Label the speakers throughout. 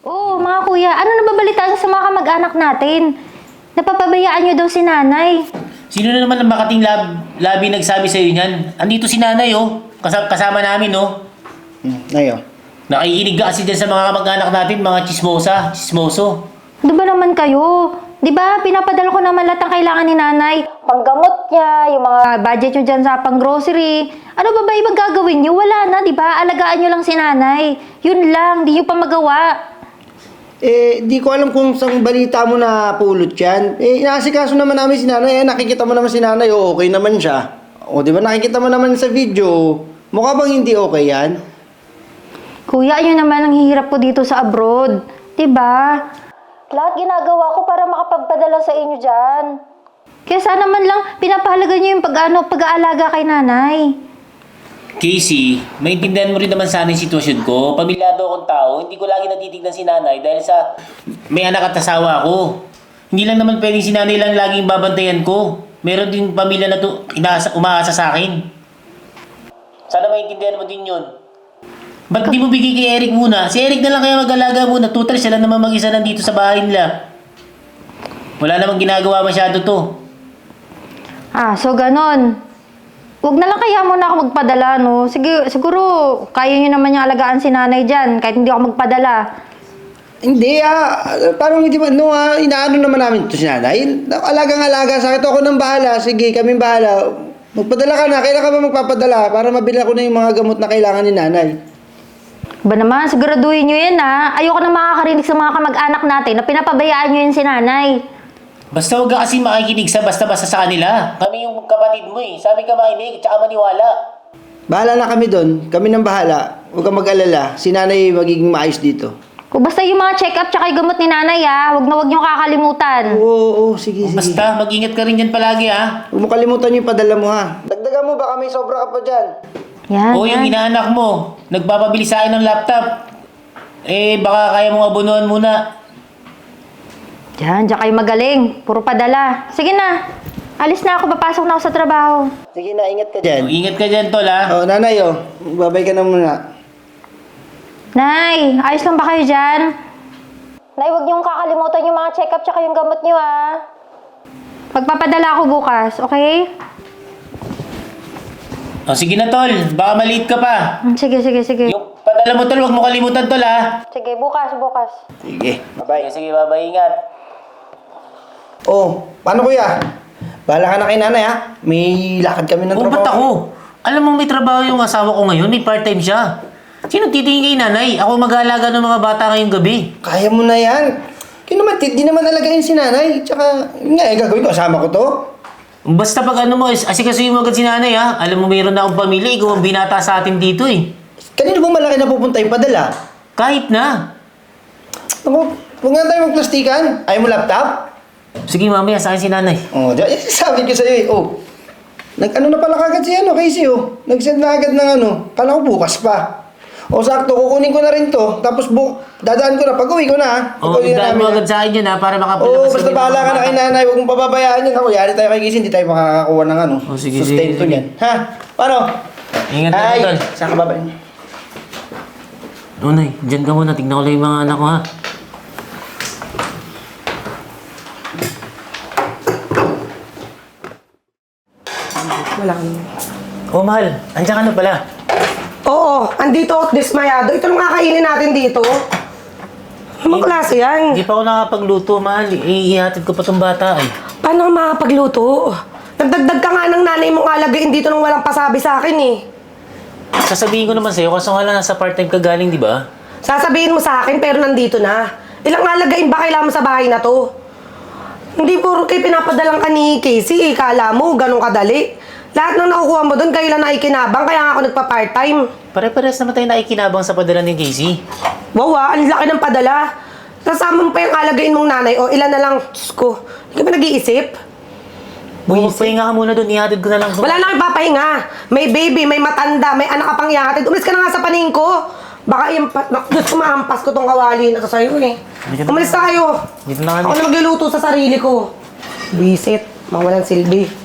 Speaker 1: Oo, mga kuya, ano nababalitaan sa mga kamag-anak natin? Napapabayaan niyo daw si nanay.
Speaker 2: Sino na naman ang makating labi nagsabi sa'yo niyan? Andito si nanay, oh. Kasama namin, oh.
Speaker 3: Ayo.
Speaker 2: Nakikinig ka kasi dyan sa mga kamag-anak natin, mga chismoso.
Speaker 1: Ano ba naman kayo? Di ba, pinapadala ko naman lahat ng kailangan ni nanay. Panggamot niya, yung mga budget niyo dyan sa pang-grocery. Ano ba ibang gagawin niyo? Wala na, di ba? Alagaan niyo lang si nanay. Yun lang, di niyo pa magawa.
Speaker 3: Di ko alam kung saan balita mo na pulot yan. Inaasikaso naman namin si nanay. Nakikita mo naman si nanay, okay naman siya. O, di ba nakikita mo naman sa video. Mukha bang hindi okay yan?
Speaker 1: Kuya, yun naman ang hihirap ko dito sa abroad. Di ba? Lahat ginagawa ko para makapagpadala sa inyo dyan. Kaya sana man lang pinapahalaga niyo yung pag-aalaga kay nanay.
Speaker 2: Casey, maintindihan mo rin naman sana yung sitwasyon ko. Pamilyado akong tao, hindi ko lagi natitignan si nanay dahil sa may anak at asawa ko. Hindi lang naman pwedeng si nanay lang laging babantayan ko. Meron din pamilya na umaasa sa akin. Sana maintindihan mo din yun. Ba't di mo bigay kay Eric muna? Si Eric na lang kaya mag-alaga muna. Total, siya lang naman mag-isa nandito sa bahay nila. Wala namang ginagawa masyado to.
Speaker 1: So ganon. Huwag na lang kaya muna ako magpadala, no? Sige, siguro, kaya niyo naman yung alagaan si nanay dyan, kahit hindi ako magpadala.
Speaker 3: Hindi parang hindi ba, inaano naman namin ito si nanay. Alagang-alaga sa akin, ako nang bahala. Sige, kaming bahala. Magpadala ka na, kailan ka ba magpapadala para mabili ko na yung mga gamot na kailangan ni nanay?
Speaker 1: Ba naman, siguraduhin nyo yan, ha? Ayoko na makakarinig sa mga kamag-anak natin na pinapabayaan nyo yun si nanay.
Speaker 2: Basta huwag ka kasi makikinig sa basta-basta sa kanila. Kami yung kapatid mo eh. Sabi ka makinig, tsaka maniwala.
Speaker 3: Bahala na kami doon. Kami nang bahala. Huwag kang mag-alala. Si nanay magiging maayos dito.
Speaker 1: Kung basta yung mga check-up tsaka yung gamot ni nanay, ha? Huwag nyo kakalimutan.
Speaker 3: Oo, sige.
Speaker 2: Basta, mag-ingat ka rin dyan palagi ha.
Speaker 3: Huwag mo kalimutan yung padala mo ha. Dagdagan mo, baka may sobra ka pa dyan.
Speaker 1: Yan,
Speaker 2: O yung inaanak mo, nagpapabili sa akin ng laptop. Baka kaya mong abunuhan muna.
Speaker 1: Diyan kayo magaling. Puro padala. Sige na. Alis na ako. Papasok na ako sa trabaho.
Speaker 3: Sige na, ingat ka dyan.
Speaker 2: Ingat ka dyan, tol ha.
Speaker 3: Nanay, babay ka na muna.
Speaker 1: Nay, ayos lang ba kayo dyan? Nay, huwag niyong kakalimutan yung mga check-up tsaka yung gamot niyo, ha? Magpapadala ako bukas, okay?
Speaker 2: O sige na, tol. Baka maliit ka pa.
Speaker 1: Sige.
Speaker 2: Yung padala mo, tol, huwag mo kalimutan, tol ha.
Speaker 1: Sige, bukas.
Speaker 3: Sige, bye-bye.
Speaker 2: Sige, bye-bye, ingat.
Speaker 3: Paano kuya? Bahala ka na kay nanay ha. May lakad kami ng
Speaker 2: Ba't
Speaker 3: trabaho.
Speaker 2: ako? Alam mo, may trabaho yung asawa ko ngayon. May part-time siya. Sino titingin kay nanay? Ako mag-aalaga ng mga bata ngayong gabi.
Speaker 3: Kaya mo na yan. Di naman alagayin si nanay. Tsaka, gagawin ko, kasama ko to.
Speaker 2: Basta pag ano mo, asikasuhin mo agad si nanay ha. Alam mo, mayroon na akong pamilya. Ikaw ang binata sa atin dito eh.
Speaker 3: Kanino bang malaki na pupunta yung padala?
Speaker 2: Kahit na.
Speaker 3: Ako, huwag nga tayo magplastikan. Ayaw mo laptop?
Speaker 2: Sige, mamaya sa akin si nanay.
Speaker 3: Sabi ko sa'yo Nag-ano na pala kagad si Casey Nag-send na agad ng Kala ko bukas pa. Sakto, kukunin ko na rin to. Tapos dadaan ko na. Pag-uwi ko na ha.
Speaker 2: Dahil mo agad sa akin yun ha, para makapalabas.
Speaker 3: Basta bahala ka na kay nanay. Huwag mong pababayaan yun. Yari tayo kay Casey, hindi tayo makakakuha ng
Speaker 2: Sige.
Speaker 3: sustento niyan. Ha? Paano?
Speaker 2: Ingat ka, tol.
Speaker 3: Saan ka babay?
Speaker 2: Nay, dyan ka muna. Tignan ko lang yung mga anak ko ha. Mahal. Andiyan ka na pala.
Speaker 4: Oo, andito at dismayado. Ito nung kakainin natin dito. Anong klase yan?
Speaker 2: Hindi pa ako nakapagluto, mahal. Ihatid ko pa tong bata eh.
Speaker 4: Paano ka makapagluto? Nagdagdag ka nga ng nanay mong alagain dito nung walang pasabi sa akin eh.
Speaker 2: Sasabihin ko naman sa'yo, kaso nga lang nasa part-time ka galing, di ba?
Speaker 4: Sasabihin mo sa akin pero nandito na. Ilang alagain ba kailangan mo sa bahay na to? Hindi puro kayo pinapadalang ka ni Casey. Kala mo, ganun kadali. Lahat ng nakukuha mo doon, kailan na ikinabang, kaya nga ako nagpa-part-time.
Speaker 2: Pare-pares naman tayo naikinabang sa padala ni Casey.
Speaker 4: Wow, ang laki ng padala. Kasama mo pa yung alagain mong nanay, o ilan na lang, Diyos ko. Hindi ka ba nag-iisip?
Speaker 2: Magpahinga ka muna doon, ihatid ko na lang.
Speaker 4: Wala na kang papahinga. May baby, may matanda, may anak ka pang ihatid. Umalis ka na nga sa paningin ko. Baka yung, Diyos ko, mahampas ko tong kawali na to sa'yo eh. Umalis tayo.
Speaker 2: Dito na kami.
Speaker 4: Ako na magluluto sa sarili ko. Visit, mawalang silbi.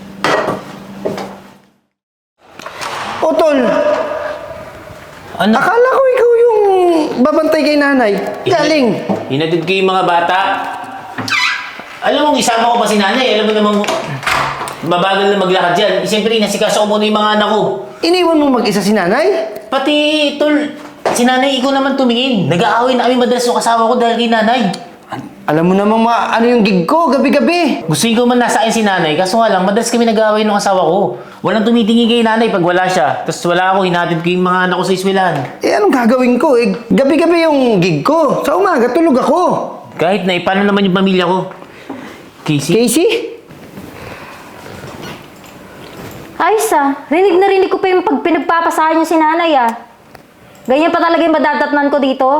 Speaker 3: Tol,
Speaker 2: Ano?
Speaker 3: akala ko ikaw yung babantay kay nanay. Galing.
Speaker 2: Hinatid ko yung mga bata. Alam mo, isama ko pa si nanay. Alam mo namang mabagal na maglakad yan. Siyempre, nasikaso ko muna yung mga anak ko.
Speaker 3: Iniwan mo mag-isa si nanay?
Speaker 2: Pati, tol, si nanay, ikaw naman tumingin. Nag-aaway na kami madalas yung kasama ko dahil kay nanay.
Speaker 3: Alam mo namang ano yung gig ko, gabi-gabi.
Speaker 2: Gusto ko man nasa akin si nanay, kaso nga lang, madalas kami nag-aaway ng asawa ko. Walang tumitingin kay nanay pag wala siya. Tapos wala ako, hinatid ko yung mga anak ko sa eskwelahan.
Speaker 3: Eh, anong gagawin ko? Eh, gabi-gabi yung gig ko. Sa umaga, tulog ako.
Speaker 2: Kahit na, paano naman yung pamilya ko? Casey?
Speaker 3: Casey?
Speaker 1: Ayos rinig na rinig ko pa yung pag pinagpapasahan niyo si nanay Ganyan pa talaga yung madadatnan ko dito.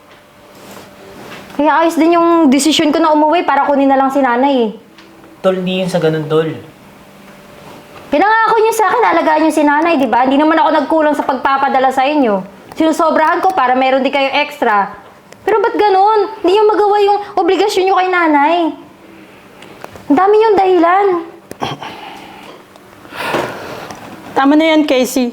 Speaker 1: Kaya ayos din yung desisyon ko na umuwi para kunin na lang si nanay
Speaker 2: Tol, hindi yun sa ganun, tol.
Speaker 1: Pinangako niyo sa akin, alagaan niyo si nanay, di ba? Hindi naman ako nagkulang sa pagpapadala sa inyo. Sinusobrahan ko para meron din kayo extra. Pero ba't ganun? Hindi niyo magawa yung obligasyon niyo kay nanay. Ang dami niyong dahilan.
Speaker 5: Tama na yan, Casey.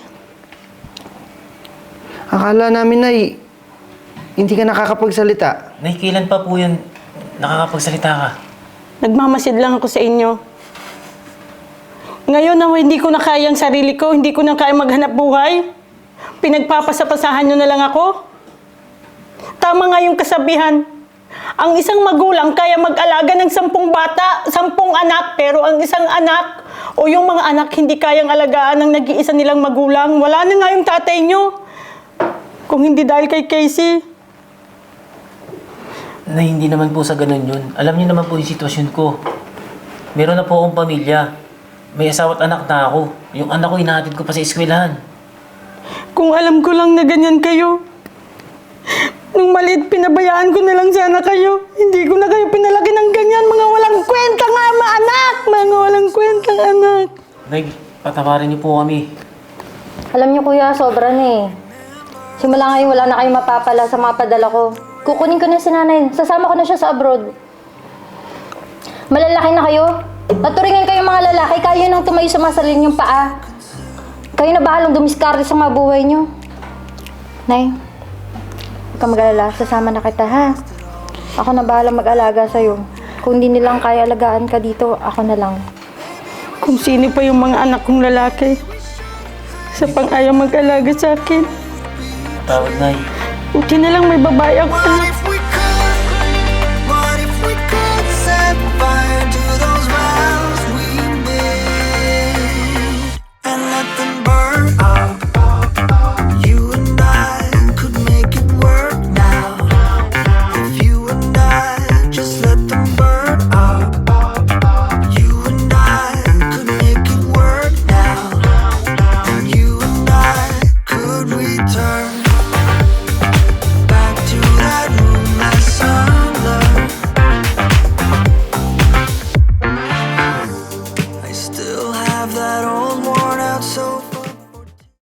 Speaker 3: Akala namin, Nay, hindi ka nakakapagsalita.
Speaker 2: Nay, kailan pa po yun nakakapagsalita ka?
Speaker 5: Nagmamasid lang ako sa inyo. Ngayon na hindi ko na kaya ang sarili ko, hindi ko na kaya maghanap buhay, pinagpapasapasahan nyo na lang ako. Tama nga yung kasabihan. Ang isang magulang kaya mag-alaga ng 10 bata, 10 anak, pero ang isang anak o yung mga anak hindi kayang alagaan ng nag-iisa nilang magulang. Wala na nga yung tatay nyo. Kung hindi dahil kay Casey.
Speaker 2: Nay, hindi naman po sa ganun yun. Alam niyo naman po yung sitwasyon ko. Meron na po akong pamilya. May asawa at anak na ako. Yung anak ko, hinahatid ko pa sa eskwelahan.
Speaker 5: Kung alam ko lang na ganyan kayo. Nung maliit, pinabayaan ko na lang sana kayo. Hindi ko na kayo pinalaki ng ganyan. Mga walang kwentang anak! Mga walang kwentang anak.
Speaker 2: Nay, patawarin niyo po kami.
Speaker 1: Alam niyo kuya, sobra na Simula ngayon, wala na kayong mapapala sa mga padala ko. Kukunin ko na si nanay. Sasama ko na siya sa abroad. Malalaki na kayo. Naturingan kayo mga lalaki. Kayo nang tumayo sa mga sarili niyong paa. Kayo na bahalang dumiskarte sa mga buhay niyo. Nay, huwag ka mag-alala. Sasama na kita, ha? Ako na bahalang mag-alaga sa'yo. Kung hindi nilang kaya alagaan ka dito, ako na lang.
Speaker 5: Kung sino pa yung mga anak kong lalaki. Sa pang-ayaw mag-alaga sa akin.
Speaker 2: Tawad, Nay.
Speaker 5: Buti na lang may babae ako.